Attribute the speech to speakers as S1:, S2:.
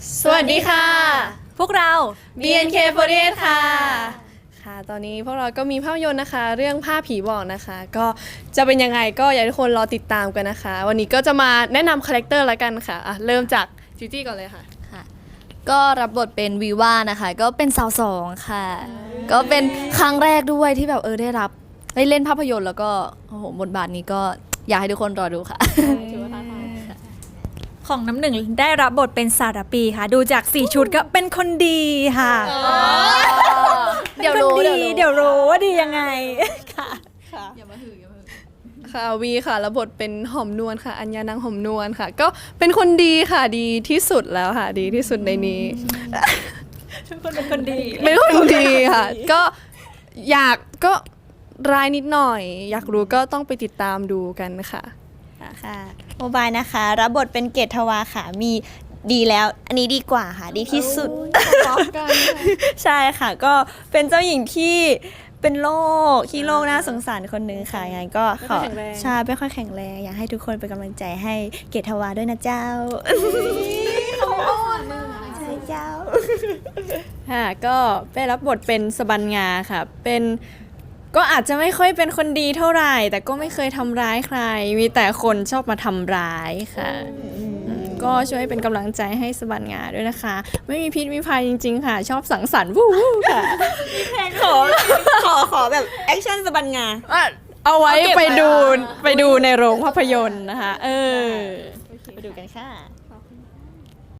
S1: สวัสดีค่ะ
S2: พวกเรา
S1: BNK48 ค่ะค่ะ ตอนนี้พวกเราก็มีภาพยนตร์นะคะ เรื่องผ้าผีบอกนะคะ ก็จะเป็นยังไงก็อยากให้ทุกคนรอติดตามกันนะคะ วันนี้ก็จะมาแนะนำคาแรคเตอร์ละกันค่ะเริ่มจากจิจี้ก่อนเลยค่ะ
S2: ก็รับบทเป็นวีว่านะคะ ก็เป็นสาวสองค่ะ ก็เป็นครั้งแรกด้วยที่แบบได้เล่นภาพยนตร์แล้วก็โอ้โหบทบาทนี้ก็อยากให้ทุกคนรอดูค่ะ
S3: ของน้ำหนึ่งได้รับบทเป็นสารปีค่ะ ดูจาก4ชุดก็เป็นคนดีค่ะ
S2: เดี๋ยวรู้
S3: เดี๋ยวรู้ว่าดียังไงค่ะ
S1: ค่ะวีค่ะรับบทเป็นหอมนวลค่ะ อัญญานางหอมนวลค่ะ ก็เป็นคนดีค่ะดีที่สุดแล้วค่ะ ดีที่สุดในนี้
S3: ทุกคนเป็นคนดี
S1: เป็นคนดีค่ะ ก็ก็ร้ายนิดหน่อย อยากรู้ก็ต้องไปติดตามดูกันค่ะ
S4: ค่ะโมบายนะคะรับบทเป็นเกตทวาค่ะมีดีแล้วอันนี้ดีกว่าค่ะดีที่สุด ใช่ค่ะก็เป็นเจ้าหญิงที่เป็นโรคขี้โรคน่าสงสารคนหนึ่งค่ะยังไงก็ขอ
S1: ไม่ค่อยแข็งแรง
S4: ใช่ไม่ค่อยแข็งแรงอยากให้ทุกคนเป็นกำลังใจให้เกตทวาด้วยนะเจ้าใช่เจ้า
S5: ค่ะก็ได้รับบทเป็นสบันงาค่ะเป็นก็อาจจะไม่ค่อยเป็นคนดีเท่าไหร่ แต่ก็ไม่เคยทำร้ายใคร มีแต่คนชอบมาทำร้ายค่ะก็ช่วยเป็นกำลังใจให้สบันงาด้วยนะคะ ไม่มีพิษมีภัยจริงๆค่ะ ชอบสังสรรค์วู้ค่ะ
S4: ขอแบบแอคชั่นสบันงา
S5: เอาไว้ไปดูในโรงภาพยนตร์นะคะ
S4: ไปดูกันค่ะ